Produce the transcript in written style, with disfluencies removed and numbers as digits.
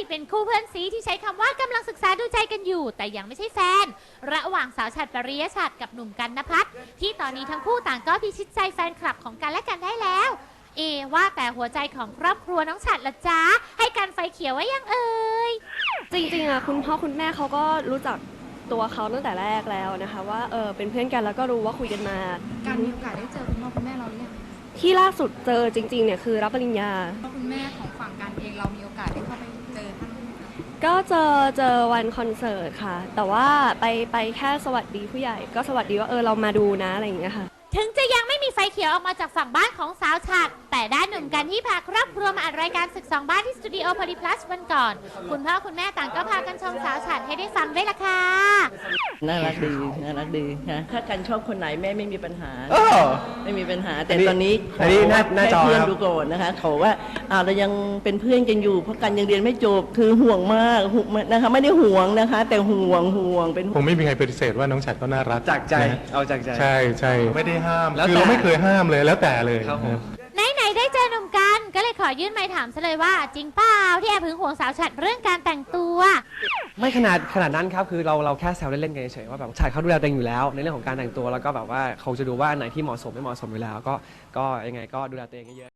เป็นคู่เพื่อนซีที่ใช้คำว่ากำลังศึกษาดูใจกันอยู่แต่ยังไม่ใช่แฟนระหว่างสาวฉัตรปริยฉัตรกับหนุ่มกันณภัทรที่ตอนนี้ทั้งคู่ต่างก็พิชิตใจแฟนคลับของกันและกันได้แล้วว่าแต่หัวใจของครอบครัวน้องฉัตรละจ๊ะให้กันไฟเขียวไว้ยังเอ่ยจริงๆคุณพ่อคุณแม่เขาก็รู้จักตัวเขาตั้งแต่แรกแล้วนะคะว่าเป็นเพื่อนกันแล้วก็รู้ว่าคุยกันมาการมีโอกาสได้เจอคุณพ่อคุณแม่เราหรือยังที่ล่าสุดเจอจริงๆเนี่ยคือรับปริญญาคุณแม่ของฝั่งการเองเรามีโอกาสได้เข้าไปเจอท่านไหมคะก็เจอวันคอนเสิร์ตค่ะแต่ว่าไปแค่สวัสดีผู้ใหญ่ก็สวัสดีว่าเรามาดูนะอะไรอย่างเงี้ยค่ะถึงจะยังไม่มีไฟเขียวออกมาจากฝั่งบ้านของสาวฉัตรแต่ด้านหนุ่มกันที่พาครอบครัวมาอัดรายการศึกสองบ้านที่สตูดิโอโพลีพลัสวันก่อนคุณพ่อคุณแม่ต่างก็พากันชมสาวฉัตรให้ได้ฟังด้วยล่ะค่ะน่ารักดีค่ะถ้ากันชอบคนไหนแม่ไม่มีปัญหาไม่มีปัญหาแต่ตอนนี้อันนี้หน้าจอเพื่อนครับดูก่อนนะคะเขาว่าเรายังเป็นเพื่อนกันอยู่เพราะกันยังเรียนไม่จบคือห่วงมากนะคะไม่ได้ห่วงนะคะแต่ห่วงเป็นคงไม่มีใครปฏิเสธว่าน้องฉัตรก็น่ารักจากใจเอาจากใจใช่ไม่ได้ห้ามแล้วแต่คือเราไม่เคยห้ามเลยแล้วแต่เลยครับผมไหนได้เจอหนุ่มกันก็เลยขอยื่นไมค์ถามซะเลยว่าจริงเปล่าที่แอบหึงหวงสาวฉัตรเรื่องการแต่งตัวไม่ขนาดนั้นครับคือเราแค่แซวเล่นๆกันเฉยๆว่าแบบชายเขาดูแลตัวเองอยู่แล้วในเรื่องของการแต่งตัวแล้วก็แบบว่าเขาจะดูว่าอันไหนที่เหมาะสมไม่เหมาะสมอยู่แล้วก็ยังไงก็ดูแลตัวเองเยอะ